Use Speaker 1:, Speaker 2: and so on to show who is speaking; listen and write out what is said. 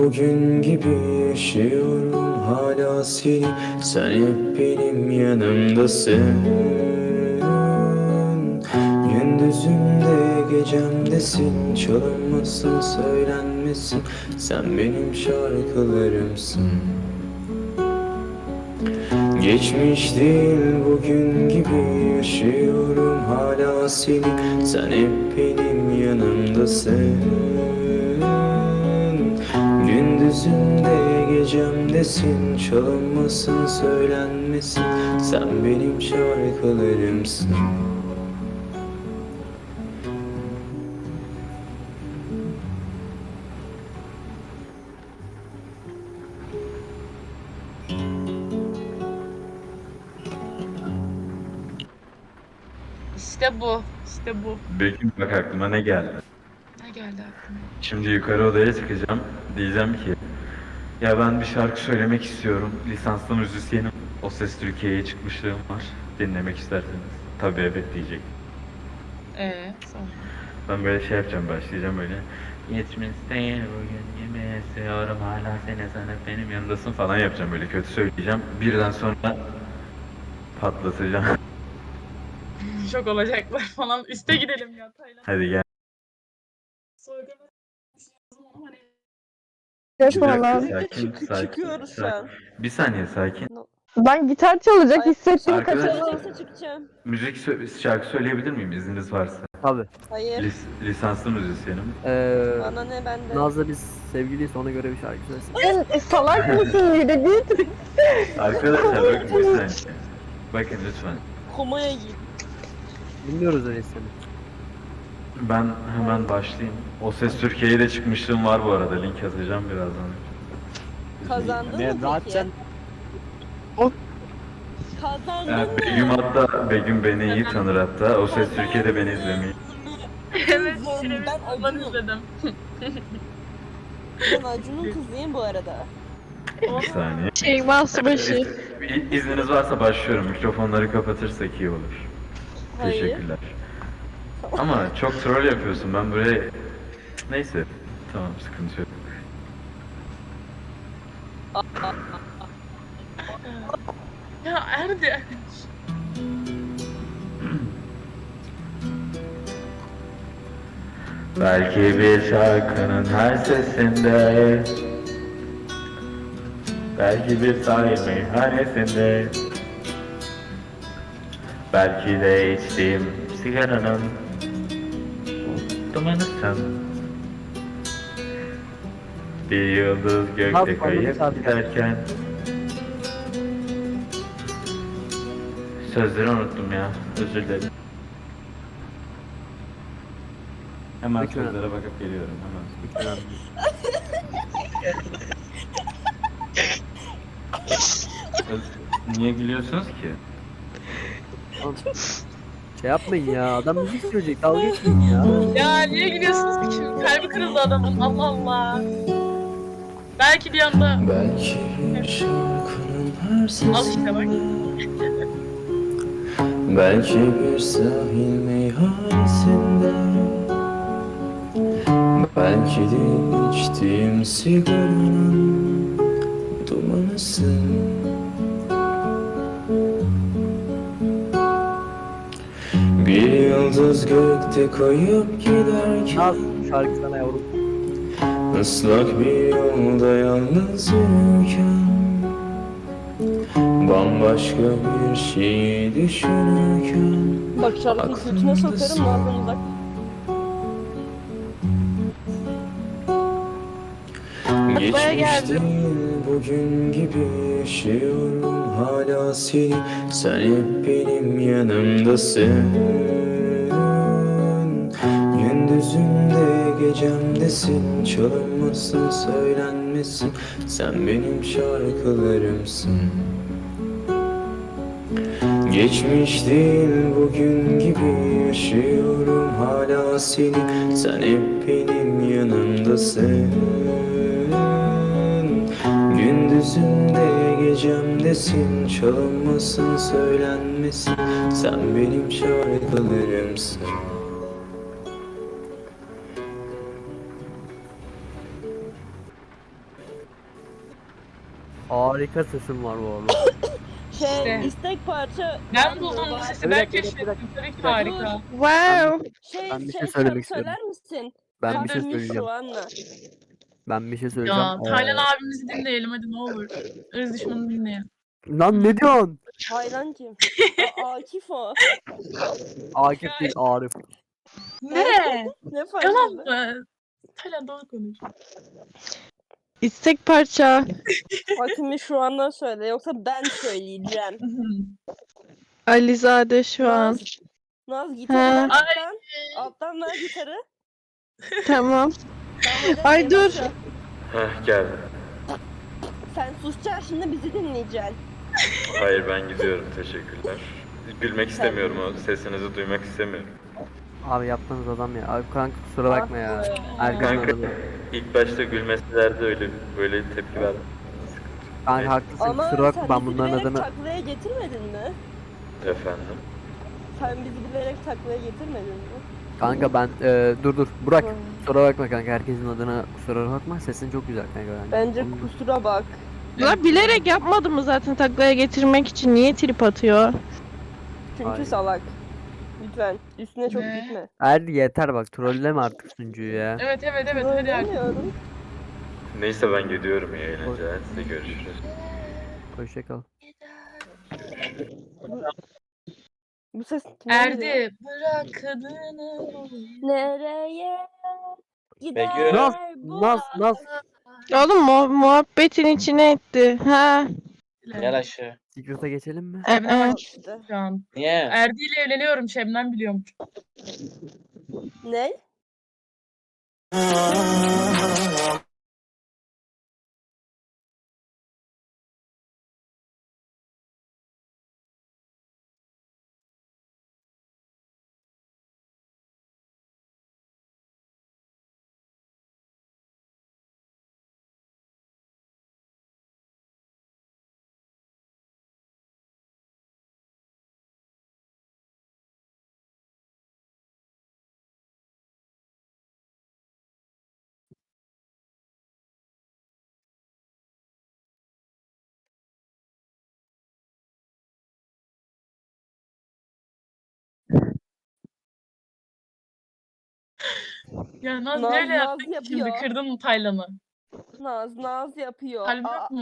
Speaker 1: bugün gibi yaşıyorum hala seni. Sen hep benim yanımdasın. Gündüzümde gecemdesin. Çalınmasın söylenmesin. Sen benim şarkılarımsın. Geçmiş değil bugün gibi yaşıyorum hala seni. Sen hep benim yanımdasın. Gündüzümde gecemdesin. Çalınmasın söylenmesin. Sen benim şarkılarımsın.
Speaker 2: İşte bu. İşte bu.
Speaker 3: Begüm bak aklıma ne geldi.
Speaker 2: Ne geldi aklıma?
Speaker 3: Şimdi yukarı odaya çıkacağım. Diyeceğim ki ya ben bir şarkı söylemek istiyorum. Lisanslı müzisyenim. O Ses Türkiye'ye çıkmışlığım var. Dinlemek isterseniz. Tabii evet diyecek.
Speaker 2: Sonra.
Speaker 3: Ben böyle şey yapacağım, başlayacağım böyle. Yetmişteyim bugün yemeğe seviyorum hala seni sen hep benim yanındasın falan yapacağım böyle kötü söyleyeceğim. Birden sonra patlatacağım.
Speaker 2: Şok olacaklar falan. Üste gidelim ya Taylan.
Speaker 3: Hadi gel.
Speaker 2: Soygunu ama hani
Speaker 3: Bir dakika,
Speaker 4: Vallahi.
Speaker 3: sakin.
Speaker 4: Çıkıyoruz şu an.
Speaker 3: Bir saniye sakin.
Speaker 4: Ben gitar çalacak
Speaker 5: Ay,
Speaker 4: hissettim
Speaker 3: arkadaş-
Speaker 4: kaçırdım.
Speaker 5: Olursa çıkacağım.
Speaker 3: Şarkı söyleyebilir miyim izniniz varsa?
Speaker 6: Tabii.
Speaker 5: Hayır.
Speaker 3: Lisanslı müzisyenim.
Speaker 5: Bana ne benden.
Speaker 6: Naz'la biz sevgiliyiz, ona göre bir şarkı söylesin.
Speaker 4: Sen salak mısın yine git.
Speaker 3: Arkadaşlar bakın bir saniye. Bakın lütfen.
Speaker 5: Komaya git.
Speaker 6: Dinliyoruz öyle seni.
Speaker 3: Ben hemen başlayayım. O Ses Türkiye'ye de çıkmışlığım var bu arada. Link atacağım birazdan.
Speaker 5: Kazandın
Speaker 6: Ne
Speaker 5: mı
Speaker 6: zaten
Speaker 5: peki? Kazandın
Speaker 3: Begüm
Speaker 5: mı?
Speaker 3: hatta, Begüm beni iyi tanır hatta. O Ses Türkiye'de beni izlemeyi.
Speaker 2: evet.
Speaker 5: Ben
Speaker 2: Ben
Speaker 5: Acun'um.
Speaker 2: izledim.
Speaker 5: Ben Acun'un kızıyım bu arada.
Speaker 3: Bir saniye.
Speaker 4: Şeyma Subaşı.
Speaker 3: İzniniz varsa başlıyorum. Mikrofonları kapatırsak iyi olur.
Speaker 5: Hayır.
Speaker 3: Teşekkürler. Ama çok troll yapıyorsun. Ben buraya... Neyse. Tamam, sıkıntı yok.
Speaker 2: Ya Erdi.
Speaker 3: Belki bir şarkının her sesinde, belki bir sahil meyhanesinde, belki de içtiğim sigaranın dumanısın. Bir yıldız gökte
Speaker 6: Nasıl
Speaker 3: kayıp
Speaker 6: anlamış
Speaker 3: giderken. Sözleri unuttum ya, özür dilerim. Hemen
Speaker 6: Peki,
Speaker 3: sözlere bakıp geliyorum hemen. Niye gülüyorsunuz ki?
Speaker 6: Şey yapmayın ya, adam müzik söyleyecek, dalga geçmeyin ya.
Speaker 2: Ya niye gülüyorsunuz ki şimdi? Kalbi kırıldı adamın. Allah Allah. Belki bir anda
Speaker 1: Belki bir şarkının her
Speaker 2: al işte bak.
Speaker 1: sesinde, belki bir sahil meyhanesinde, belki de içtiğim sigaranın dumanısın. Bir yıldız gökte kayıp giderken,
Speaker 6: Naz, bu şarkı sana yavrum.
Speaker 1: ıslak bir yolda yalnız yürürken, bambaşka bir şey düşünürken,
Speaker 5: Bak şarkıyı götüne sokarım Naz'dan uzak.
Speaker 1: geçmiş değil bugün gibi yaşıyorum hala seni. Sen hep benim yanımdasın. Gündüzümde gecemdesin. Çalınmasın söylenmesin. Sen benim şarkılarımsın. Geçmiş değil bugün gibi yaşıyorum hala seni. Sen hep benim yanımdasın. Gündüzümde gecemdesin. Çalınmasın söylenmesin. Sen benim şarkılarımsın.
Speaker 6: Harika sesin var bu arada.
Speaker 2: İşte.
Speaker 5: istek parça.
Speaker 2: Ben buldum bu sesi. Ben
Speaker 6: Bir dakika, bir
Speaker 2: keşfettim.
Speaker 6: dakika.
Speaker 2: Tabii ki
Speaker 6: Bir dakika.
Speaker 2: harika.
Speaker 4: Wow.
Speaker 6: Ben bir şey
Speaker 5: şarkı
Speaker 6: söylemek istiyorum.
Speaker 5: söyler misin?
Speaker 6: Ben bir şey
Speaker 2: Hadi.
Speaker 6: söyleyeceğim.
Speaker 5: Şu anla.
Speaker 6: Ben bir şey söyleyeceğim.
Speaker 2: Ya Taylan abimizi dinleyelim hadi ne olur. Irz düşmanını dinleyelim.
Speaker 6: Lan ne diyorsun?
Speaker 5: Hayran kim? Akif o.
Speaker 6: Akif değil Arif.
Speaker 2: Ne?
Speaker 5: Ne fark
Speaker 2: Yalan
Speaker 5: eder?
Speaker 2: mı? Taylan doğru konuş.
Speaker 4: İstek parça.
Speaker 5: Hakimi şu andan söyle yoksa ben söyleyeceğim.
Speaker 4: Alizade şu an.
Speaker 5: Naz gitarı
Speaker 4: Ha.
Speaker 5: ver alttan. Alttan ver gitarı.
Speaker 4: Tamam.
Speaker 5: Tamam,
Speaker 4: Ay,
Speaker 5: hadi
Speaker 4: dur.
Speaker 5: başla.
Speaker 3: Heh geldim.
Speaker 5: Sen susacaksın şimdi bizi dinleyeceksin.
Speaker 3: Hayır ben gidiyorum teşekkürler. Gülmek istemiyorum o sesinizi duymak istemiyorum.
Speaker 6: Abi yaptığınız adam ya. Abi kanka kusura bakma ya. Erkan
Speaker 3: Kanka
Speaker 6: adamı.
Speaker 3: ilk başta gülmeselerdi öyle böyle tepki verdim.
Speaker 6: Kanka haklısın
Speaker 5: Ama
Speaker 6: kusura bakma
Speaker 5: sen
Speaker 6: ben
Speaker 5: bizi
Speaker 6: bunların
Speaker 5: bilerek
Speaker 6: adını.
Speaker 5: taklaya getirmedin mi?
Speaker 3: Efendim.
Speaker 5: Sen bizi bilerek taklaya getirmedin mi?
Speaker 6: Kanka ben dur Burak. Kusura bakma kanka herkesin adına kusura bakma. Sesin çok güzel kanka
Speaker 5: Bence
Speaker 6: Onun-
Speaker 5: kusura bak.
Speaker 4: La bilerek yapmadı mı zaten taklaya getirmek için? Niye trip atıyor?
Speaker 5: Çünkü
Speaker 6: Ay.
Speaker 5: salak. Lütfen üstüne çok
Speaker 2: Ne?
Speaker 5: gitme.
Speaker 6: Hadi yeter bak trolleme artık sunucuyu ya.
Speaker 2: Evet hadi artık.
Speaker 5: Söylemiyorum.
Speaker 3: Neyse ben gidiyorum iyi eğlenceler. Size görüşürüz.
Speaker 6: Hoşçakal.
Speaker 5: Bu ses kime geliyor?
Speaker 2: Erdi bırak kadını.
Speaker 5: Nereye gider
Speaker 3: Begüm.
Speaker 5: bu?
Speaker 6: Naz
Speaker 4: Oğlum muhabbetin içine etti. Ha.
Speaker 7: Gel aşağı.
Speaker 6: Secret'a geçelim mi?
Speaker 2: Şebnem
Speaker 5: İşte.
Speaker 2: şu an.
Speaker 7: Niye?
Speaker 2: Erdi ile evleniyorum Şebnem biliyormuş.
Speaker 5: Ne?
Speaker 2: Ya Naz
Speaker 5: Naz,
Speaker 2: neyle
Speaker 5: Naz
Speaker 2: yaptın ki şimdi?
Speaker 5: yapıyor.
Speaker 2: Kırdın mı Taylan'ı?
Speaker 5: Naz yapıyor.
Speaker 2: Kalbim yok mu?